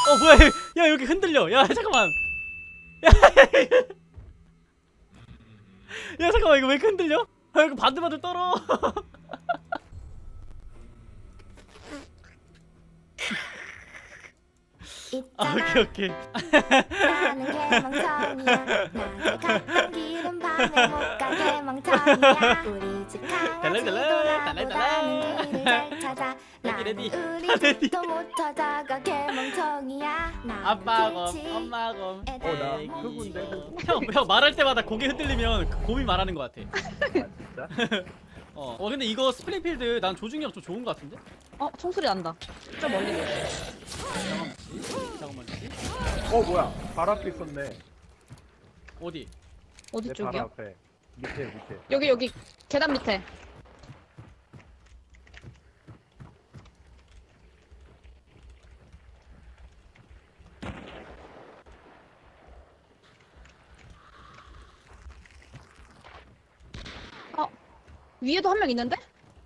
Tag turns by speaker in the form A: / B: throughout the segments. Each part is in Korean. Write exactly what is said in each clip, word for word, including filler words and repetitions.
A: 어 뭐야 야 여기 흔들려 야 잠깐만 야, 야 잠깐만 이거 왜 이렇게 흔들려? 아 이거 바들바들 떨어 아 오케이 오케이
B: 나는 개멍청이야. 낮에 갔던 길은 밤에 못 가 개멍청이야. 우리 집 강아지 돌아보다는 길을 잘 찾아. 나는
A: 레디,
B: 우리
A: 레디.
B: 집도 못 찾아가 개멍청이야. 나는
A: 아빠
B: 길치.
A: 검 엄마 검
B: 어,
C: 나
A: 애기
C: 흑우인데, 흑우.
A: 형, 형 말할 때마다 고개 흔들리면 그 곰이 말하는 것 같아
C: 아 진짜?
A: 어, 어 근데 이거 스프링필드 난 조준력 좀 좋은 것 같은데?
D: 어 총소리 난다. 좀 멀리.
A: 잠깐만 씨 잠깐만 씨
C: 어 뭐야? 발 앞에 있었네.
A: 어디?
D: 어디
C: 내 발
D: 쪽이야?
C: 앞에. 밑에 밑에.
D: 여기 여기 계단 밑에. 어 위에도 한 명 있는데?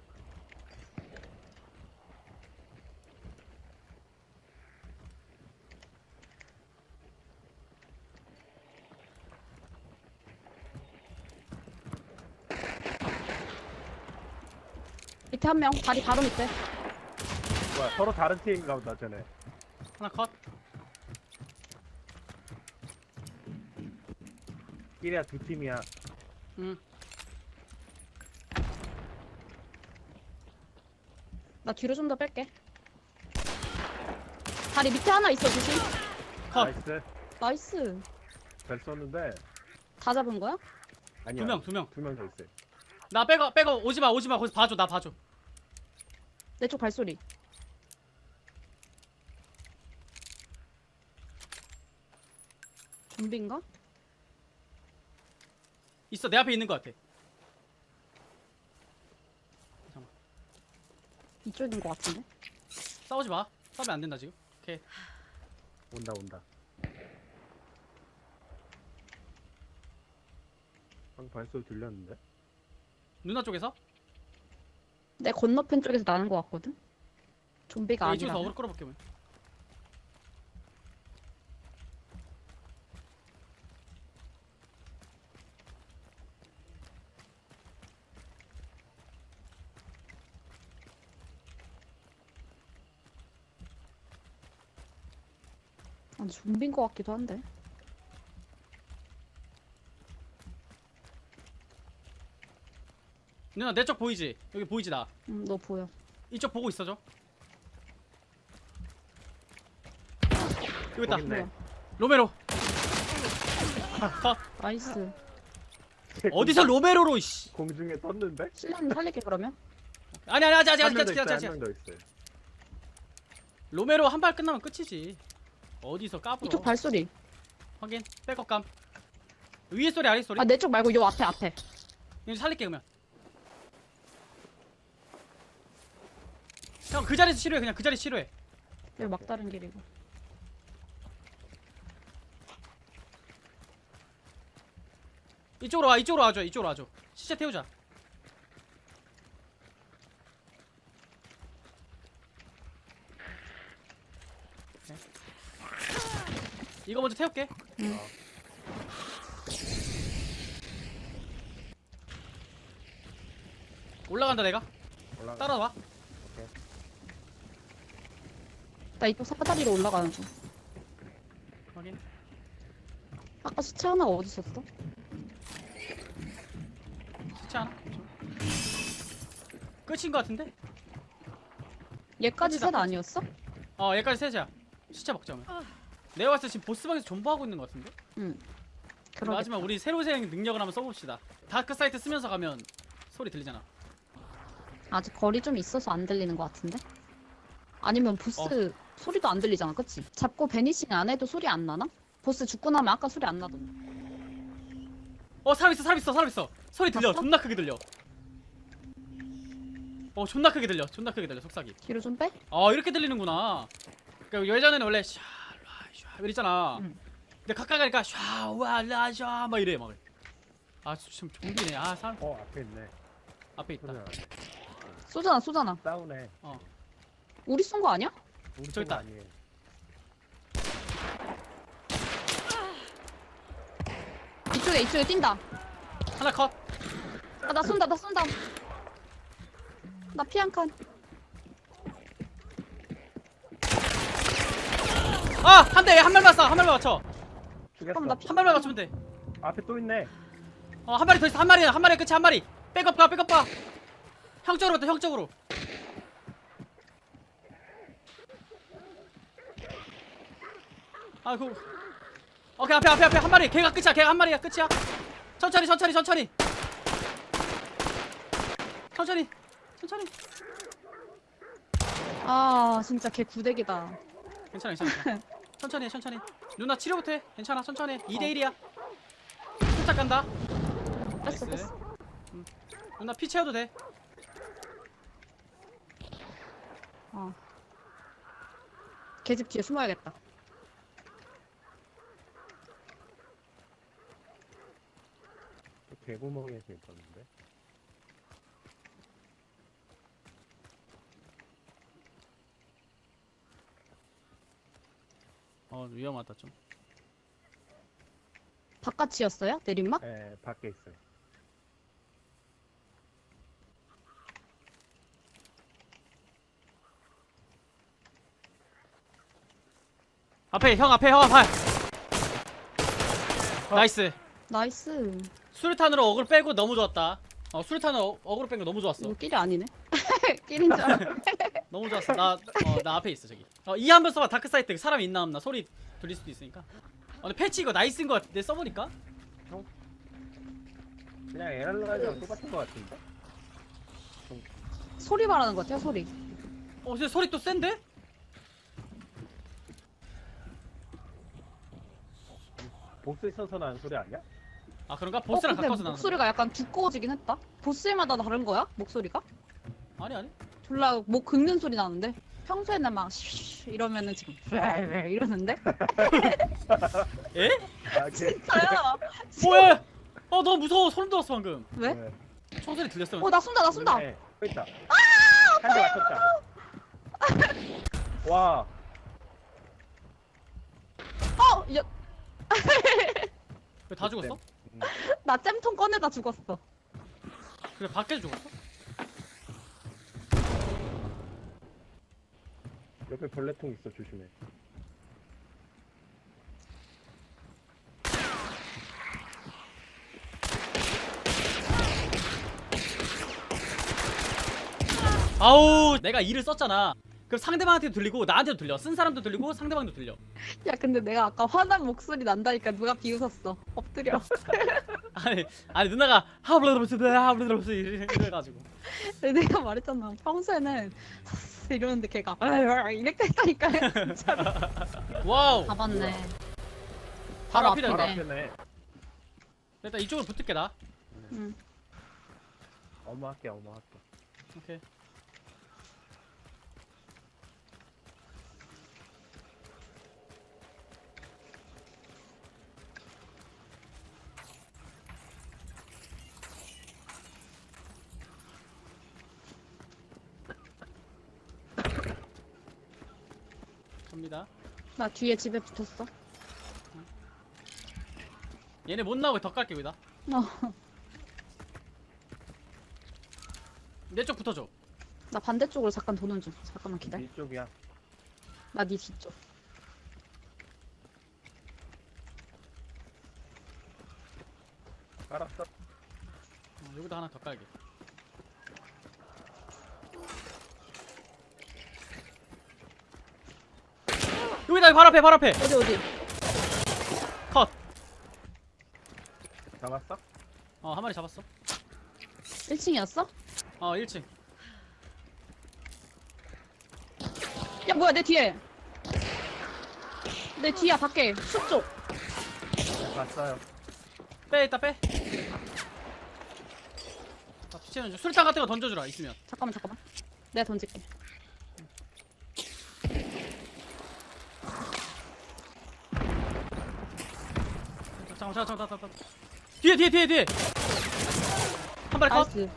D: 밑에 한 명. 다리 바로 밑에.
C: 뭐야? 서로 다른 팀인가 보다 쟤네.
A: 하나 컷
C: 끼리야 두 팀이야.
A: 응.
D: 나 뒤로 좀 더 뺄게. 다리 밑에 하나 있어 조심.
A: 컷
C: 나이스.
D: 나이스.
C: 잘 쏘는데
D: 다 잡은 거야?
C: 아니야.
A: 두 명, 두 명.
C: 두 명 더 있어.
A: 나 빼고 빼고 오지마 오지마 거기서 봐줘 나 봐줘
D: 내 쪽 발소리. 좀비인가?
A: 있어 내 앞에 있는 것 같아
D: 이쪽인 것 같은데?
A: 싸우지 마 싸우면 안 된다 지금 오케이
C: 온다 온다. 방금 발소리 들렸는데?
A: 누나 쪽에서?
D: 내 건너편 쪽에서 나는 것 같거든? 좀비가
A: 이쪽에서
D: 아니라.
A: 어그로 끌어볼게 뭐.
D: 아니 좀비인 것 같기도 한데.
A: 누나 내 쪽 보이지? 여기 보이지 나
D: 음, 너 보여.
A: 이쪽 보고 있어줘 여기 있다
C: 거기 있네.
D: 뭐야?
A: 로메로 컷
D: 나이스.
A: 어디서 로메로로 씨
C: 공중에 떴는데?
D: 실례는 살릴게 그러면.
A: 아니 아니 아직 아직 아직
C: 한명
A: 아직
C: 더
A: 아직
C: 있어.
A: 아직
C: 한 명 더 있어.
A: 로메로 한 발 끝나면 끝이지 어디서 까불어
D: 이쪽 발소리.
A: 확인 백업감 위에 소리 아래 소리
D: 아 내 쪽 말고 요 앞에 앞에.
A: 이거 살릴게 그러면 형 그 자리에서 치료해 그냥 그 자리 치료해
D: 여기 막다른 길이고.
A: 이쪽으로 와 이쪽으로 와줘 이쪽으로 와줘 시체 태우자 오케이. 이거 먼저 태울게
D: 응.
A: 올라간다 내가
C: 올라가.
A: 따라와
D: 나 이쪽 사다리로 올라가는 중.
A: 확인
D: 아까 시체 하나가 어디 있었어?
A: 시체 하나 끝인 거 같은데?
D: 얘까지
A: 끝이다,
D: 셋
A: 끝.
D: 아니었어?
A: 어 얘까지 셋이야 시체 먹자 그러면 내가 봤을 때 지금 보스방에서 존버하고 있는 거 같은데?
D: 응.
A: 그럼 마지막 우리 새로 생긴 능력을 한번 써봅시다 다크 사이트 쓰면서 가면 소리 들리잖아
D: 아직 거리 좀 있어서 안 들리는 것 같은데? 아니면 보스
A: 어.
D: 소리도 안 들리잖아, 그치? 잡고 베니싱 안 해도 소리 안 나나? 보스 죽고 나면 아까 소리 안 나던데.
A: 어 사람 있어 사람 있어 사람 있어 소리 들려
D: 봤어?
A: 존나 크게 들려 어 존나 크게 들려 존나 크게 들려 속삭이
D: 뒤로 좀 빼?
A: 어 이렇게 들리는구나 그러니까 예전에는 원래 샤 라, 샤 이랬잖아
D: 응.
A: 근데 가까이 가니까 샤와라샤막 이래 막아 지금 좀비네 아 사람
C: 어 앞에 있네.
A: 앞에 있다
C: 소리나.
D: 쏘잖아, 쏘잖아.
C: 싸우네.
D: 우리 쏜 거 아니야?
C: 우리
A: 저기
C: 팀
A: 있다.
C: 아니에요.
D: 이쪽에 이쪽에 뛴다.
A: 하나 컷.
D: 아, 나 쏜다 나 쏜다. 나 피 한 칸.
A: 아! 한 대! 한 발만 쏴! 한 발만 맞춰!
C: 죽였어.
D: 그럼 나 피.
A: 한 발만 맞추면 돼.
C: 앞에 또 있네.
A: 어, 한 마리 더 있어. 한 마리, 한 마리 끝이 한 마리. 백업 가, 백업 가. 형 쪽으로 갔다, 형 쪽으로. 아이고. 오케이, 앞에, 앞에, 앞에 한 마리. 걔가 끝이야, 걔가 한 마리야, 끝이야. 천천히, 천천히, 천천히. 천천히, 천천히.
D: 아 진짜 걔 구대기다.
A: 괜찮아, 괜찮아. 천천히 해, 천천히. 누나 치료부터 해. 괜찮아, 천천히 해. 이 대 일이야. 살짝 간다.
D: 뺐어
A: 나이스.
D: 뺐어.
A: 누나 피 채워도 돼.
D: 어. 걔 집 뒤에 숨어야겠다.
C: 개구멍에서 있었는데.
A: 어, 위험하다 좀.
D: 바깥이었어요? 내린막?
C: 예, 밖에 있어요.
A: 앞에 형 앞에 형 앞에. 나이스.
D: 나이스.
A: 수류탄으로 어글 빼고 너무 좋았다. 어, 수류탄으로 어, 어그로 뺀 거 너무 좋았어.
D: 이거 끼리 아니네. 끼린 줄 알아.
A: 너무 좋았어. 나, 어, 나 앞에 있어 저기. 어, 이 한 번 써봐. 다크 사이트 사람 있나 없나 소리 들릴 수도 있으니까. 어, 근데 패치 이거 나이스인 거 같아. 내 써보니까.
C: 그냥 에랄라이랑 똑같은 거 같은데.
D: 소리 말하는 것 같아요 소리.
A: 어, 근데 소리 또 센데?
C: 보스 있어서 나는 소리 아니야?
A: 아 그런가?
D: 어,
A: 보스랑
D: 근데
A: 가까워서 나는
D: 목소리가 약간 두꺼워지긴 했다. 보스마다 다른 거야? 목소리가?
A: 소리. 아니 아니.
D: 졸라 목 긁는 소리 나는데 평소에는 막 쉬쉬 이러면은 지금 이러는데
A: 에?
C: 아, 걔.
D: 진짜야.
A: 뭐야? 어 너무 무서워. 소름 돋았어 방금.
D: 왜?
C: 네.
A: 총소리 들렸어.
D: 어 나 쏜다 나 쏜다.
C: 네, 또 있다. 한 대 맞췄다. 와,
D: 어! 야,
A: 왜 다 죽었어?
C: 음.
D: 나 잼통 꺼내다 죽었어.
A: 그래 밖에서 죽었어?
C: 옆에 벌레통 있어, 조심해.
A: 아우 내가 이를 썼잖아. 그럼 상대방한테도 들리고 나한테도 들려. 쓴 사람도 들리고 상대방도 들려.
D: 야 근데 내가 아까 화난 목소리 난다니까 누가 비웃었어. 엎드려.
A: 아니 아니 누나가 하블러블스 하블러블스 이래가지고.
D: 근데 내가 말했잖아. 평소에는 이러는데 걔가 이렇게 했다니까요. 진짜로.
A: 와우.
D: 잡았네.
A: 바로
D: 바로
A: 앞이네.
C: 바로
D: 앞이네.
C: 앞에네.
A: 일단 이쪽으로 붙을게 나.
D: 응.
C: 어머 할게, 어머 할게.
A: 오케이. 갑니다.
D: 나 뒤에 집에 붙었어.
A: 얘네 못 나오게 더 깔게 여기다.
D: 어.
A: 내 쪽 붙어줘.
D: 나 반대쪽으로 잠깐 도는 중. 잠깐만 기다려.
C: 이쪽이야.
D: 나 네 뒤쪽.
C: 깔았어.
A: 어, 여기다 하나 더 깔게. 여기다 바로 앞에 바로 앞에.
D: 어디 어디?
A: 컷.
C: 잡았어?
A: 어 한 마리 잡았어.
D: 일 층이었어?
A: 어 일 층.
D: 야 뭐야 내 뒤에. 내 뒤야 밖에 숲 쪽.
C: 봤어요.
A: 빼 이따 빼. 아, 피치는 좀 술탄 같은 거 던져주라 있으면.
D: 잠깐만 잠깐만. 내가 던질게.
A: 잠깐 잠깐 잠깐 잠깐. 뒤에 뒤에 뒤에 뒤에. 한 마리 컷.
D: 나이스.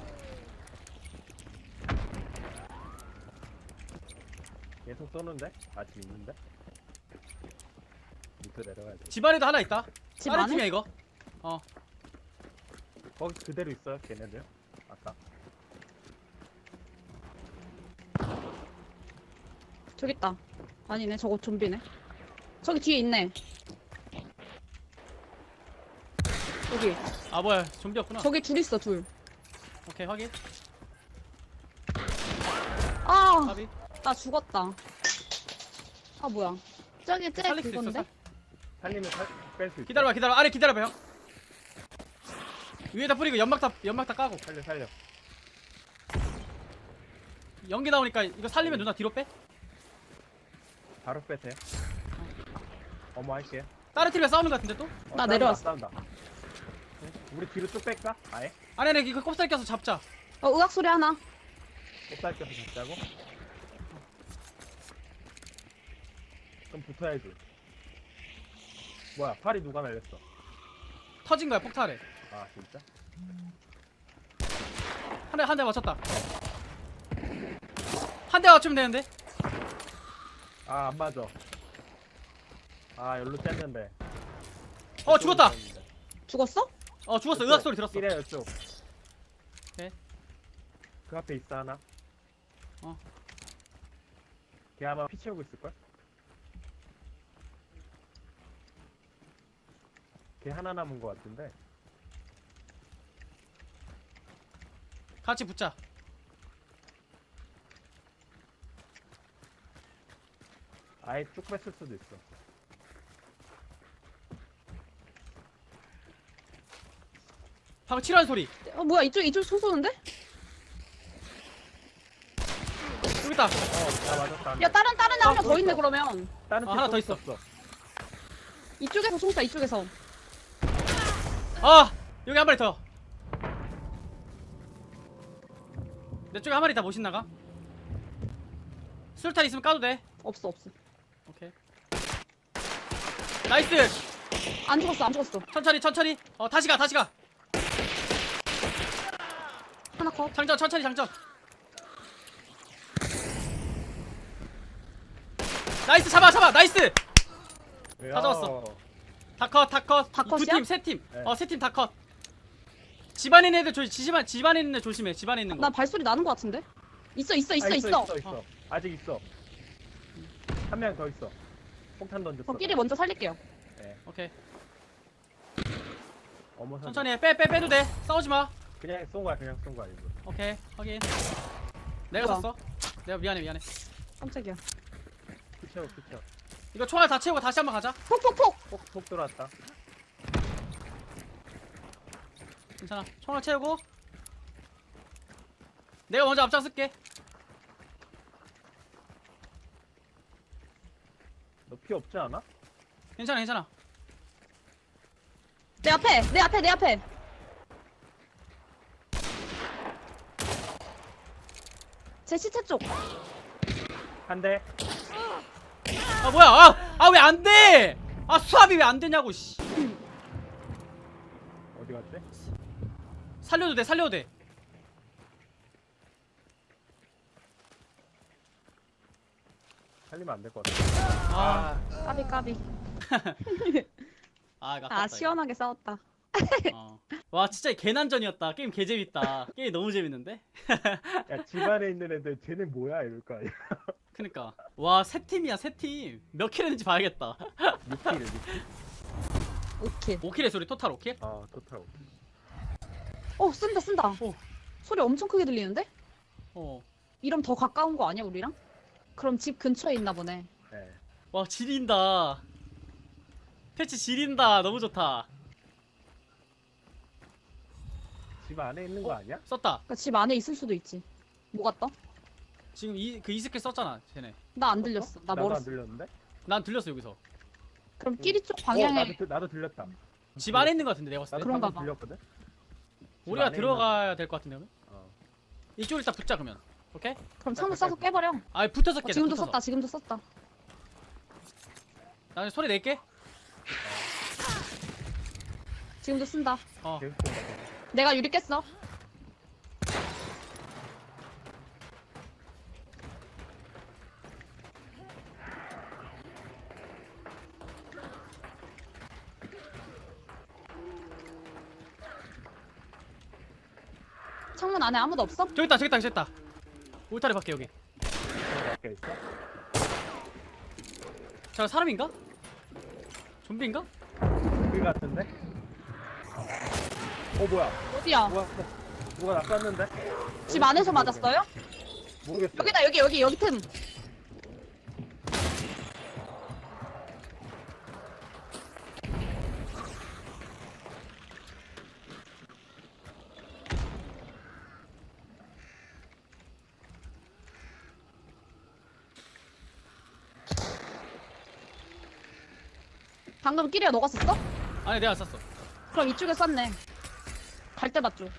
C: 계속 쏘는데? 아직 있는데? 밑으로 내려가야 돼.
A: 집 안에도 하나 있다.
D: 집
A: 다른
D: 안에?
A: 팀이야 이거. 어
C: 거기 그대로 있어요 걔네들. 아까.
D: 저기 있다. 아니네, 저거 좀비네. 저기 뒤에 있네. 여기.
A: 아 뭐야 좀비였구나.
D: 저기 둘 있어, 둘.
A: 오케이 확인.
D: 아,
A: 까비.
D: 나 죽었다. 아, 뭐야. 저기 쟤
A: 살릴 수 있어.
D: 그건데?
A: 살-
C: 살리면 뺄 수 있어.
A: 기다려봐 기다려. 아래 기다려봐 형. 위에다 뿌리고 연막 다 연막 다 까고.
C: 살려 살려.
A: 연기 나오니까 이거 살리면 누나 뒤로 빼.
C: 바로 빼세요. 어머 할게요.
A: 다른 팀이랑 싸우는 것 같은데 또?
C: 어,
D: 나
C: 싸운다,
D: 내려왔어.
C: 싸운다. 응? 우리 뒤로 쭉 뺄까? 아예?
A: 아니 아니 이거 꼽살 껴서 잡자.
D: 어, 의학 소리 하나.
C: 꼽살 껴서 잡자고? 그럼 붙어야지. 뭐야 팔이 누가 날렸어?
A: 터진 거야 폭탄에.
C: 아 진짜?
A: 한 대 한 대 맞췄다. 한 대 맞추면 되는데.
C: 아 안 맞아. 아 열로 쨌는데.
A: 어 죽었다.
D: 죽었어?
A: 어 죽었어. 의학 소리 들었어.
C: 이래 이쪽.
A: 오케이.
C: 그 앞에 있어 하나.
A: 어.
C: 걔 아마 피 채우고 있을걸? 걔 하나 남은 거 같은데.
A: 같이 붙자.
C: 아예 쭉 뺐을 수도 있어.
A: 방금 치료하는 소리.
D: 어, 뭐야. 이쪽, 이쪽 소 쏘는데?
A: 여기 있다.
C: 어, 나 맞았다. 한
D: 야,
C: 대.
D: 다른, 다른 애
C: 아,
D: 하나 더 있네,
C: 있어.
D: 그러면.
C: 다른
A: 어, 하나
C: 팀
A: 더
C: 또
A: 있어.
D: 이쪽에서 총사, 이쪽에서.
A: 아 여기 한 마리 더. 내 쪽에 한 마리 다 못 나가. 수류탄 있으면 까도 돼.
D: 없어, 없어.
A: 오케이. 나이스.
D: 안 죽었어, 안 죽었어.
A: 천천히 천천히. 어 다시 가 다시 가.
D: 하나 컷.
A: 장전 천천히 장전. 나이스 잡아 잡아 나이스. 다 잡았어. 다컷 다컷.
D: 다 컷이야?
A: 두팀세 팀.
C: 네.
A: 어 세 팀 다 컷. 집안에 있는 애들 조심. 집안 집안에 있는 애 조심해. 집안에 있는 거.
D: 나 발소리 나는 거 같은데? 있어, 있어, 있어,
C: 아,
D: 있어.
C: 있어, 있어.
A: 어.
C: 아직 있어. 한 명 더 있어. 폭탄 던졌어.
D: 저끼리 먼저 살릴게요.
C: 네.
A: 오케이.
C: 어머 선.
A: 천천히 해. 빼 빼 빼도 돼. 싸우지 마.
C: 그냥 쏜 거야. 그냥 쏜 거야 이거.
A: 오케이 확인. 내가
D: 뭐야?
A: 샀어. 내가 미안해 미안해.
D: 깜짝이야.
C: 피 채워 피 채워.
A: 이거 총알 다 채우고 다시 한번 가자.
D: 폭폭폭!
C: 폭폭 들어왔다.
A: 괜찮아. 총알 채우고. 내가 먼저 앞장쓸게.
C: 너 피 없지 않아?
A: 괜찮아 괜찮아.
D: 내 앞에! 내 앞에! 내 앞에! 제 시체 쪽!
C: 한 대.
A: 아 뭐야? 아아 왜 안 돼? 아 수압이 왜 안 되냐고 씨.
C: 어디 갔지?
A: 살려도 돼 살려도 돼.
C: 살리면 안 될 것 같아.
A: 아,
D: 까비 까비.
A: 아, 이거
D: 아
A: 아깝다,
D: 시원하게 싸웠다.
A: 이거. 어. 와 진짜 개난전이었다. 게임 개 재밌다. 게임 너무 재밌는데?
C: 야 집안에 있는 애들 쟤네 뭐야 이럴 거 아니야.
A: 그니까 와 세 팀이야 세 팀. 몇 킬 했는지 봐야겠다.
C: 육 킬을 육 킬.
D: 오케이.
A: 오 킬의 소리 토탈 오 킬?
C: 아 토탈.
D: 어 쓴다 쓴다.
A: 오.
D: 소리 엄청 크게 들리는데?
A: 어.
D: 이러면 더 가까운 거 아니야 우리랑? 그럼 집 근처에 있나 보네.
C: 네.
A: 와 지린다. 패치 지린다. 너무 좋다.
C: 집 안에 있는 거 아니야?
A: 썼다.
D: 그러니까 집 안에 있을 수도 있지. 뭐가 떠?
A: 지금 이 그 이스킬 썼잖아 쟤네.
D: 나 안 들렸어. 나
C: 나도 안
D: 멀었어.
C: 들렸는데?
A: 난 들렸어 여기서.
D: 그럼 끼리 쪽
C: 어,
D: 방향에
C: 나도, 들- 나도 들렸다.
A: 집 안에 있는 것 같은데 내가 봤을
C: 나도
A: 때.
D: 그런가
C: 방금
D: 봐.
C: 들렸거든. 집
A: 우리가
C: 안에
A: 들어가야 될 것 같은데 그러면?
C: 있는- 어.
A: 이쪽으로 일단 붙자 그러면. 오케이?
D: 그럼 창문 쏴서 깨버려.
A: 아 붙어서
D: 어,
A: 깨.
D: 지금도
A: 붙어서.
D: 썼다. 지금도 썼다.
A: 나 소리 낼게.
D: 지금도 쓴다.
A: 어.
C: 계속 쏜다.
D: 내가 유리 깼어. 창문 안에 아무도 없어?
A: 저기 있다 저기 있다 저기 있다. 울타리 밖에 여기.
C: 밖에 있어?
A: 저 사람인가? 좀비인가?
C: 그 같은데? 어 뭐야?
D: 어디야?
C: 누가 누가 나 쐈는데?
D: 집 안에서 맞았어요?
C: 모르겠어.
D: 여기다 여기 여기 여기 틈. 방금 끼리야 너가 썼어?
A: 아니 내가 쐈어.
D: 그럼 이쪽에 쐈네. 갈 때 맞죠?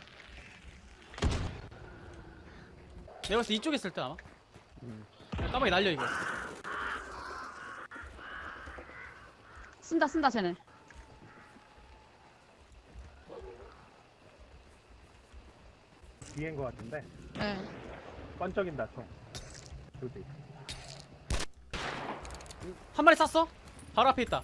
A: 내가 봤을 때 이쪽에 있을 때 아마.
C: 음.
A: 까마귀 날려 이거.
D: 쓴다 쓴다 쟤네.
C: 뒤엔 거 같은데.
D: 예.
C: 번쩍인다 총. 저기.
A: 한 마리 쐈어? 바로 앞에 있다.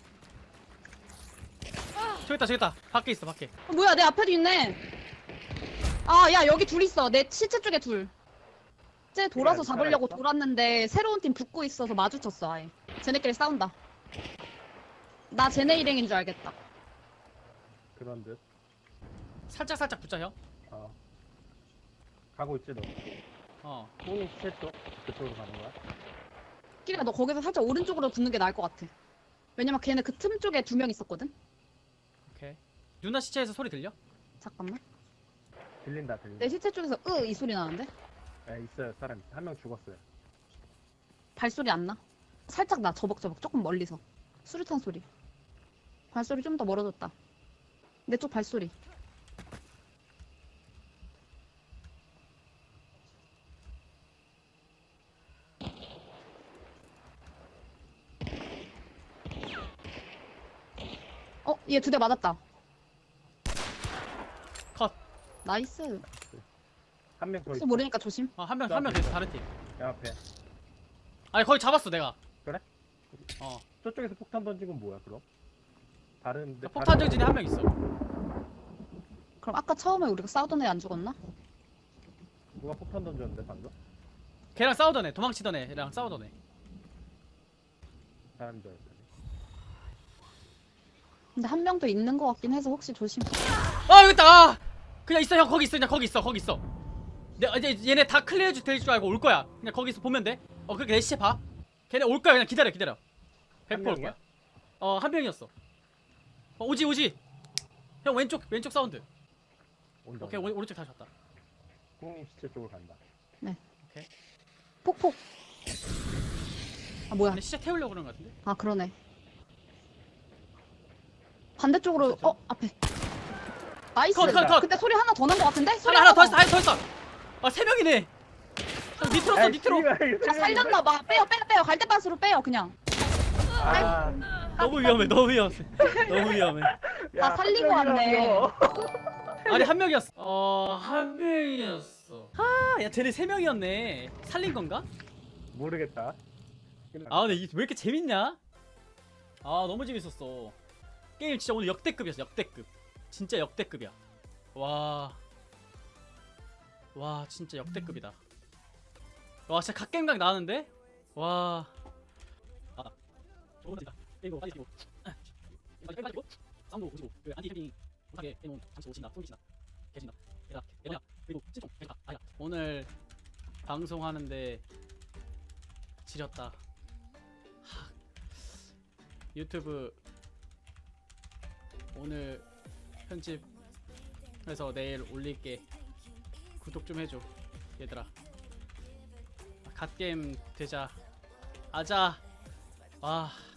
A: 저기 있다 저기 있다. 밖에 있어 밖에.
D: 어, 뭐야 내 앞에도 있네. 아 야 여기 둘 있어. 내 시체 쪽에 둘. 쟤 돌아서
C: 그래,
D: 잡으려고
C: 살아있어?
D: 돌았는데 새로운 팀 붙고 있어서 마주쳤어 아예. 쟤네끼리 싸운다. 나 쟤네 일행인 줄 알겠다.
C: 그런 듯.
A: 살짝 살짝 붙자 형.
C: 어. 가고 있지 너.
A: 어.
C: 꽁이 시체 쪽 그쪽으로 가는 거야?
D: 끼리야 너 거기서 살짝 오른쪽으로 붙는 게 나을 것 같아. 왜냐면 걔네 그 틈 쪽에 두 명 있었거든.
A: 오케이. 누나 시체에서 소리 들려?
D: 잠깐만.
C: 들린다 들린다.
D: 내 시체 쪽에서 으 이 소리 나는데?
C: 예 있어요 사람 한 명 죽었어요.
D: 발소리 안 나? 살짝 나 저벅저벅 조금 멀리서. 수류탄 소리. 발소리 좀 더 멀어졌다. 내 쪽 발소리. 어, 얘 두 대 맞았다.
A: 컷.
D: 나이스.
C: 한 명 더
D: 혹시
C: 있어.
D: 모르니까 조심.
A: 어, 한 명 한 명 됐어 다른 팀.
C: 내 앞에.
A: 아니 거기 잡았어 내가.
C: 그래?
A: 어.
C: 저쪽에서 폭탄 던진 건 뭐야 그럼? 다른 데
A: 폭탄 정진이 한 명 있어.
D: 그럼 아까 처음에 우리가 싸우던 애 안 죽었나?
C: 누가 폭탄 던졌는데 방금?
A: 걔랑 싸우던 애, 도망치던 애랑 싸우던 애.
C: 사람 줄 알았더니.
D: 근데 한 명 더 있는 것 같긴 해서 혹시 조심.
A: 아 여기 있다. 아! 그냥 있어 형 거기 있어 그냥 거기 있어 거기 있어. 내 이제 얘네 다 클리어 될 줄 알고 올 거야. 그냥 거기서 보면 돼. 어 그렇게 내 시체 봐. 걔네 올 거야 그냥 기다려 기다려. 백 퍼센트 올
C: 명이야?
A: 거야. 어 한 명이었어. 어 오지 오지. 형 왼쪽 왼쪽 사운드.
C: 온다.
A: 오케이 오, 오른쪽 다시 왔다.
C: 꽁이 시체 쪽으로 간다.
D: 폭폭. 아 뭐야?
A: 근데 시체 태우려고 그러는 거 같은데.
D: 아 그러네. 반대쪽으로
A: 진짜?
D: 어 앞에. 나이스.
A: 컷, 컷, 컷.
D: 근데 소리 하나 더 난 것 같은데? 소리
A: 하나 하나 더
D: 더.
A: 있어 하나 더 있어. 아세 명이네. 형 밑으로 써 밑으로.
D: 다 살렸나 봐. 빼요 빼요 빼요. 갈대밭으로 빼요 그냥.
C: 아,
A: 너무 위험해 너무 위험해 너무 위험해.
D: 다 살리고 왔네.
A: 아니 한 명이었어. 어한 명이었어. 아야 쟤네 세 명이었네. 살린 건가?
C: 모르겠다.
A: 아 근데 이게 왜 이렇게 재밌냐? 아 너무 재밌었어. 게임 진짜 오늘 역대급이었어 역대급. 진짜 역대급이야. 와. 와 진짜 역대급이다. 와 진짜 갓겜각 나왔는데? 와. 아. 저거 진짜 게임 빨리 뛰고. 빨리 빠지고. 사운드 오시고. 그 안티 캠핑 못하게 해놓은 잠시 오신다. 숨기신다. 계신다. 얘들아 얘들아 그리고 실종 계신다. 아야 오늘 방송하는데 지렸다. 하. 유튜브 오늘 편집해서 내일 올릴게. 구독 좀 해줘 얘들아. 갓게임 되자. 아자. 와.